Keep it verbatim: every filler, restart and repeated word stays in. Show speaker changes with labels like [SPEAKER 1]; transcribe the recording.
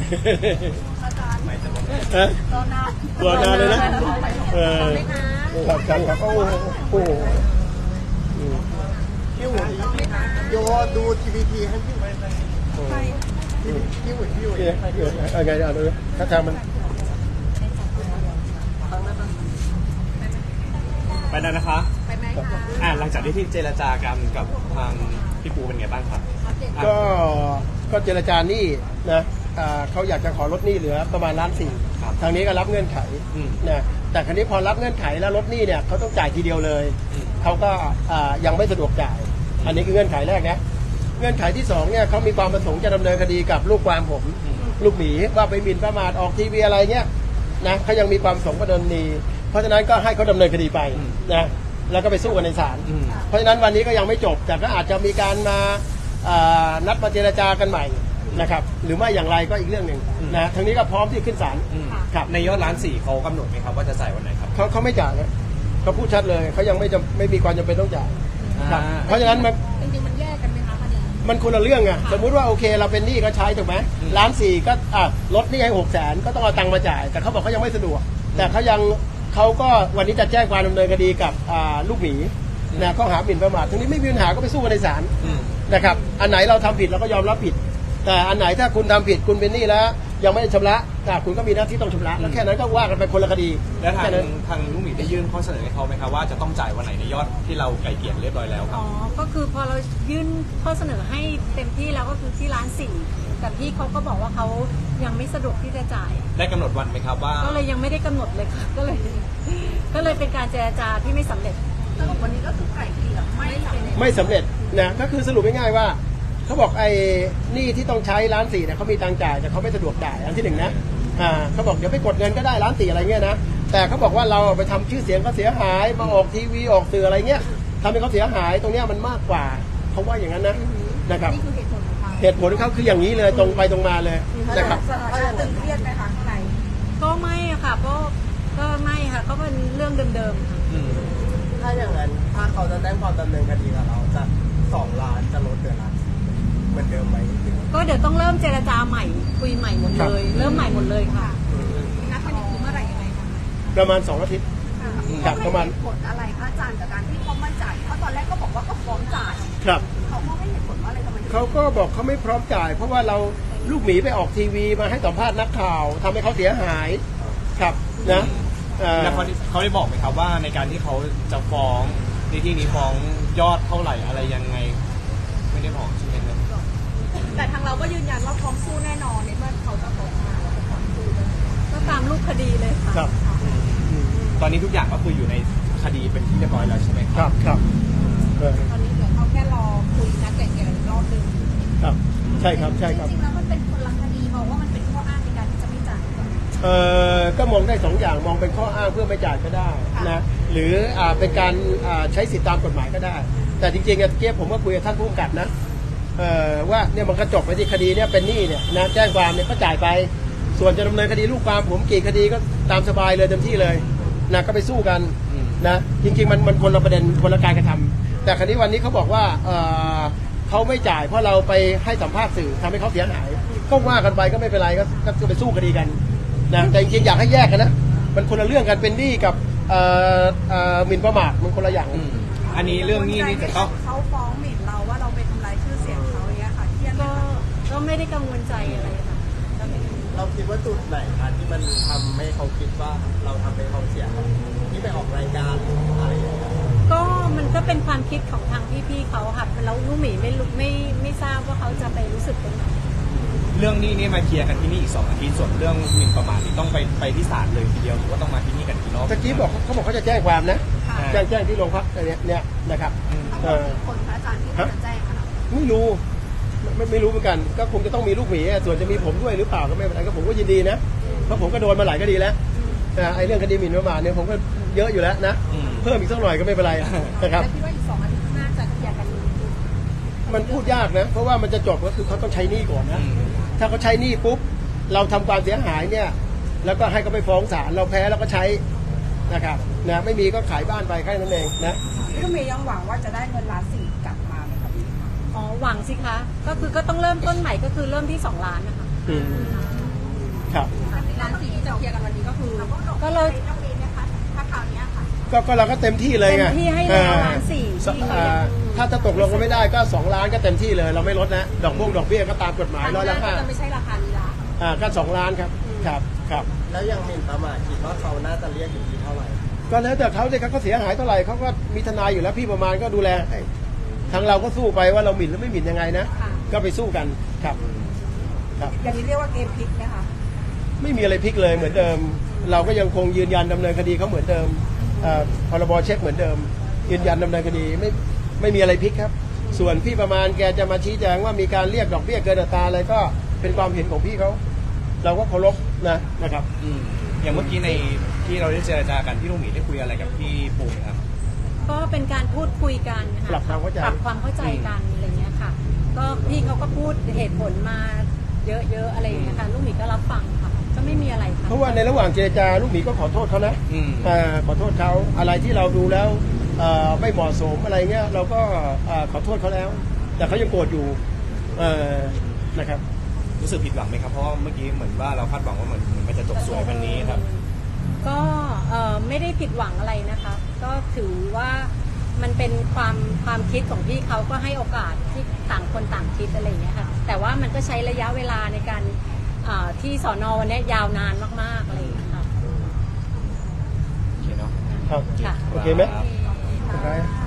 [SPEAKER 1] อาจารย์รอนาน
[SPEAKER 2] รอนานเลยนะเออครับครับครับโอ้โห
[SPEAKER 3] พี่หุ่นโยดูทีวีทีให้พี่หุ่นพี่หุ่นพี่หุ่น
[SPEAKER 2] เอาไงเอาดูถ้าทางมัน
[SPEAKER 4] ไปแล้วนะคะ
[SPEAKER 1] ไปไหมคะ
[SPEAKER 4] อ่าหลังจากที่ที่เจรจากันกับทางพี่ปูเป็นไงบ้างครับ
[SPEAKER 2] ก็ก็เจรจาหนี้นะเขาอยากจะขอลดหนี้เหลือประมาณล้านสี่ทางนี้ก็รับเงื่อนไขนะแต่ครั้นี้พอรับเงื่อนไขแล้วลดหนี้เนี่ยเขาต้องจ่ายทีเดียวเลยเขาก็ยังไม่สะดวกจ่ายอันนี้คือเงื่อนไขแรกนะเงื่อนไขที่สองเนี่ยเขามีความประสงค์จะดำเนินคดีกับลูกความผมลูกหมีว่าไปหมิ่นประมาทออกทีวีอะไรเงี้ยนะเขายังมีความประสงค์ประเด็นนี้เพราะฉะนั้นก็ให้เขาดำเนินคดีไปนะแล้วก็ไปสู้กันในศาลเพราะฉะนั้นวันนี้ก็ยังไม่จบแต่ก็อาจจะมีการมานัดมาเจรจากันใหม่นะครับหรือไม่อย่างไรก็อีกเรื่องหนึ่งนะทางนี้ก็พร้อมที่ขึ้นศาลครับ
[SPEAKER 4] ในยอดล้านสี่เขากำหนดไหมครับว่าจะจ่ายวันไหนครับ
[SPEAKER 2] เขาเขาไม่จ่ายนะเขาพูดชัดเลยเขายังไม่จะไม่มีความจำเป็นต้องจ่ายเพราะฉะนั้นมัน
[SPEAKER 1] จริงๆมันแยกกันไหมคะคดี
[SPEAKER 2] มันคนละเรื่องไงสมมุติว่าโอเคเราเป็นหนี้ก็ใช้ถูกไหมล้านสี่ก็อ่ะลดหนี้ให้หกแสนก็ต้องเอาตังค์มาจ่ายแต่เขาบอกเขายังไม่สะดวกแต่เขายังเขาก็วันนี้จะแจ้งความดำเนินคดีกับลูกหมีนะข้อหาหมิ่นประมาททั้งนี้ไม่มีปัญหาก็ไปสู้กันในศาลนะครับอันไหนเราทำผิดเราก็ยอมรับผิดแต่อันไหนถ้าคุณทำผิดคุณเป็นหนี้แล้วยังไม่ได้ชำระคุณก็มีหน้าที่ต้องชำระแล้วแค่นั้นก็ว่ากันไปคนละคดี
[SPEAKER 4] แล้วทางทางลูกหมีได้ยื่นข้อเสนอให้เขาไหมครับว่าจะต้องจ่ายวันไหนในยอดที่เราไกลเกลี่ยเรียบร้อยแล้วครับ
[SPEAKER 5] อ๋อก็คือพอเรายื่นข้อเสนอให้เต็มที่แล้วก็คือที่ล้านสี่แต่พี่เขาก็บอกว่าเขายังไม่สะดวกที่จะจ่าย
[SPEAKER 4] ได้กำหนดวันไหมครับว่า
[SPEAKER 5] ก็เลยยังไม่ได้กำหนดเลยค่ะก็เลยก็เลยเป็นการเจรจาที่ไม่สำเร็จ
[SPEAKER 1] สรุปวันนี้ก็คือไกล่เกลี่ยไม่
[SPEAKER 2] ไม่สำเร็จนะก็คือสรุปง่ายๆว่าเขาบอกไอ้หนี้ที่ต้องใช้ล้านสี่เนี่ยเขามีตังจ่ายแต่เขาไม่สะดวกจ่ายอันที่หนึ่งนะอ่าเขาบอกเดี๋ยวไปกดเงินก็ได้ล้านสี่อะไรเงี้ยนะแต่เขาบอกว่าเราไปทำชื่อเสียงเขาเสียหายมาออกทีวีออกสื่ออะไรเงี้ยทำให้เขาเสียหายตรงเนี้ยมันมากกว่าเขาว่าอย่างนั้นนะนะครับ
[SPEAKER 1] นี่คือเหตุผลของเขา
[SPEAKER 2] เหตุผลเขาคืออย่างนี้เลยตรงไปตรงมาเลยนะครับ
[SPEAKER 1] ตึงเครียดไหมคะข้างใน
[SPEAKER 5] ก็ไม่อะค่ะก็ก็ไม่ค่ะก็เป็นเรื่องเดิม
[SPEAKER 3] ๆถ้าอย่างนั้นถ้าเขาจะแจ้งความดำเนินคดีกับเราจะสองล้านจะลดเดือนละเหมือนเดิมไหม
[SPEAKER 5] ก็เดี๋ยวต้องเริ่มเจรจาใหม่คุยใหม่หมดเลยเริ่มใหม่หมดเลยค่ะ
[SPEAKER 1] นัดคดีคือเมื่อไหร่ยังไงคะ
[SPEAKER 2] ประมาณสองอาทิตย์
[SPEAKER 1] ครับประมาณผลอะไรคะอาจารย์จากการที่เขาไม่จ่ายเพราะตอนแรกก็บอกว่าก็พร้อมจ่าย
[SPEAKER 2] ครับ
[SPEAKER 1] เขาไม่ให้ผลว่าอะไรทำไม
[SPEAKER 2] เขาก็บอกเขาไม่พร้อมจ่ายเพราะว่าเราลูกหมีไปออกทีวีมาให้สัมภาษณ์นักข่าวทำให้เขาเสียหายครับนะ
[SPEAKER 4] แล้วเขาเขาได้บอกไหมครับว่าในการที่เขาจะฟ้องในที่นี้ฟ้องยอดเท่าไหร่อะไรยังไงไม่ได้บอกใช่ไหมครับ
[SPEAKER 1] แต่ทางเราก็ยืนยันว่าพร้อมสู้แน่นอนในเมื่อเขาจะฟ้องมาเราจะพร้อมสู้
[SPEAKER 5] ก็ตามรูปคดีเลยค่ะ
[SPEAKER 2] ครับ
[SPEAKER 4] ตอนนี้ทุกอย่างก็คืออยู่ในคดีเป็นที่เรียบร้อยแล้วใช่ไหม
[SPEAKER 2] ครับครับ
[SPEAKER 1] ตอนนี้เดี๋ยวเขาแค่รอคุยนัดไกล่เกลี่ยอีกรอบนึง
[SPEAKER 2] ครับใช่ครับใช่ครับ
[SPEAKER 1] จริงๆแล้วมันเป็นคนละคดีมองว่ามันเป็นข้ออ้างในการที่จะไม่จ่าย
[SPEAKER 2] เอ่อก็มองได้สองอย่างมองเป็นข้ออ้างเพื่อไม่จ่ายก็ได้นะหรืออ่าเป็นการอ่าใช้สิทธิตามกฎหมายก็ได้แต่จริงๆเมื่อกี้ผมก็คุยกับท่านผู้กำกับนะเอ่อว่าเนี่ยมันก็จบไปที่คดีเนี่ยเป็นหนี้เนี่ยนะแจ้งความเนี่ยก็จ่ายไปส่วนจะดำเนินคดีลูกความผมกี่คดีก็ตามสบายเลยเต็มที่เลยนะก็ไปสู้กันนะจริงๆมันมันคนละประเด็นคนละการกระทำแต่คราวนี้วันนี้เขาบอกว่าเอ่อเขาไม่จ่ายเพราะเราไปให้สัมภาษณ์สื่อทำให้เขาเสียหายก็ว่ากันไปก็ไม่เป็นไรก็ก็ไปสู้คดีกันนะแต่จริงๆอยากให้แยกกันนะมันคนละเรื่องกันเป็นหนี้กับเอ่อเอ่อหมิ่นประมาทมันคนละอย่าง
[SPEAKER 4] อันนี้เรื่องนี้นี่จะต้อง
[SPEAKER 1] เขาฟ้องหมิ่นเราว่าเราไปทำลายชื่อเสียงเขาอย่างเงี้ยค่ะเครียด
[SPEAKER 5] ก็ก็ไม่ได้กังวลใจอะไรค่ะ
[SPEAKER 3] เราคิดว่าจุดไหนคะที่มันทำให้เขาคิดว่าเราทำให้เขาเสียที่ไปออกรายการอะไรอย่างเงี้ย
[SPEAKER 5] ก็มันก็เป็นความคิดของทางพี่ๆเขาค่ะแล้วลูกหมีไม่รู้ไม่ไม่ทราบว่าเขาจะไปรู้สึกตรงไหน
[SPEAKER 4] เรื่องนี้นี่มาเคลียร์กันที่นี่อีกสองอาทิตย์ส่วนเรื่องหมิ่นประมาทนี่ต้องไปไปที่ศาลเลยทีเดียวหรือว่าต้องมาที่นี่กันอีกรอบ
[SPEAKER 2] ตะกี้บอกเขาบอกเขาจะแจ้งความนะแจ้งแจ้งที่โรงพักเนี้ยเนี่ยนะครับ
[SPEAKER 1] คนพระอาจารย์ที่จะแจ้งค่ะ
[SPEAKER 2] ไม่รู้ไม่ไม่รู้เหมือนกันก็คงจะต้องมีลูกหมีส่วนจะมีผมด้วยหรือเปล่าก็ไม่เป็นไรก็ผมก็ยินดีนะเพราะผมก็โดนมาหลายคดีแล้วไอ้เรื่องคดีหมิ่นประมาทเนี่ยผมก็เยอะอยู่แล้วนะเพิ่มอีกสักหน่อยก็ไม่เป็นไรนะครับ
[SPEAKER 1] คิดว่าอีกสองอาทิตย์ข้างหน้าจะเคลียร์กัน
[SPEAKER 2] มันพูดยากนะเพราะว่ามันจะจบก็คือเขาต้องใช้หนี้ก่อนนะถ้าเขาใช้หนี้ปุ๊บเราทำความเสียหายเนี่ยแล้วก็ให้เขาไปฟ้องศาลเราแพ้แล้วก็ใช้นะครับนะไม่มีก็ขายบ้านไปแค่นั้นเองนะ
[SPEAKER 1] พี่ลูกเมย์ยังหวังว่าจะได้เงินล้านสี่กลับมาไหมครับพี่
[SPEAKER 5] อ๋อหวังสิคะก็คือก็ต้องเริ่มต้นใหม่ก็คือเริ่มที่สองล้านนะคะ
[SPEAKER 2] ครับ
[SPEAKER 1] ร้านสี่ที่จะเคลียร์กันวันนี้ก็คือ
[SPEAKER 5] ก็เลย
[SPEAKER 1] ถ้าคราวนี้ค่ะ
[SPEAKER 2] ก็ก็เราก็เต็มที่เลยไง
[SPEAKER 5] เต็มที่ให้แล้ว
[SPEAKER 2] อ่
[SPEAKER 5] ล้านสี่
[SPEAKER 2] สอ่าถ้าถ้าตกลงกันไม่ได้ก็สองล้านก็เต็มที่เลยเราไม่ลดนะดอกบุ้งดอกเบี้ยก็ตามกฎหมายร้อยละห้า
[SPEAKER 1] จะไม่ใช่ราคานี้ละ
[SPEAKER 2] อ่าก็สองล้านครับครับครับ
[SPEAKER 3] แล้วยังหมิ่นประมาทคิดว่าเขาน่าจะเรียกอยู่ที่เท่าไหร่
[SPEAKER 2] ก็แล้วแต่เขาเลยครับเขาเสียหายเท่าไหร่เขาก็มีทนายอยู่แล้วพี่ประมาณก็ดูแลให้ทางเราก็สู้ไปว่าเราหมิ่นหรือไม่หมิ่นยังไงนะก็ไปสู้กันครับครับ
[SPEAKER 1] อย่างนี้เรียกว่าเกมพลิกไหมคะ
[SPEAKER 2] ไม่มีอะไรพลิกเลยเหมือนเดิม เราก็ยังคงยืนยันดำเนินคดีเขาเหมือนเดิมอ่าพรบเช็คเหมือนเดิม ยืนยันดำเนินคดีไม่ไม่มีอะไรพลิกครับ ส่วนพี่ประมาณแกจะมาชี้แจงว่ามีการเรียกดอกเบี้ยเกินอัตราอะไรก็เป็นความเห็นของพี่เขาเราก็เคารพนะนะครับ
[SPEAKER 4] อืมอย่างเมื่อกี้ในที่เราได้เจรจากันพี่ลูกหมีได้คุยอะไรกับพี่ปูไหมครับ
[SPEAKER 5] ก็เป็นการพูดคุยกันนะะ
[SPEAKER 2] ปรับความเข้าใจ
[SPEAKER 5] ปรับความเข้าใจกันอะไรเงี้ยค่ะ ก็พี่เขาก็พูดเหตุผลมาเยอะๆอะไรอย่างเงี้ยค่ะลูกหมีก็รับฟังค่ะก็ไม่มีอะไรค่ะ
[SPEAKER 2] เพราะว่าในระหว่างเจรจาลูกหมีก็ขอโทษเขานะ
[SPEAKER 4] อืม
[SPEAKER 2] อ่าขอโทษเขาอะไรที่เราดูแล้วเอ่อไม่เหมาะสมอะไรเงี้ยเราก็อ่าขอโทษเขาแล้ว แต่เขายังโกรธอยู่เอ่อนะครับ
[SPEAKER 4] รู้สึกผิดหวังไหมครับเพราะว่าเมื่อกี้เหมือนว่าเราคาดหวังว่าเหมือนมันจะจบสวยวันนี้ครับ
[SPEAKER 5] ก็เอ่อไม่ได้ผิดหวังอะไรนะคะ ก็ถือว่ามันเป็นความความคิดของพี่เขาก็ให้โอกาสที่ต่างคนต่างคิดอะไรอย่างเงี้ยค่ะแต่ว่ามันก็ใช้ระยะเวลาในการอ่าที่สอนอวันเนี้ยยาวนานมากๆอะไรอย่างเงี้ยค่ะ
[SPEAKER 4] โอเคเนาะ
[SPEAKER 2] ครับ
[SPEAKER 5] ค่ะ
[SPEAKER 2] โอเคไหมโอเค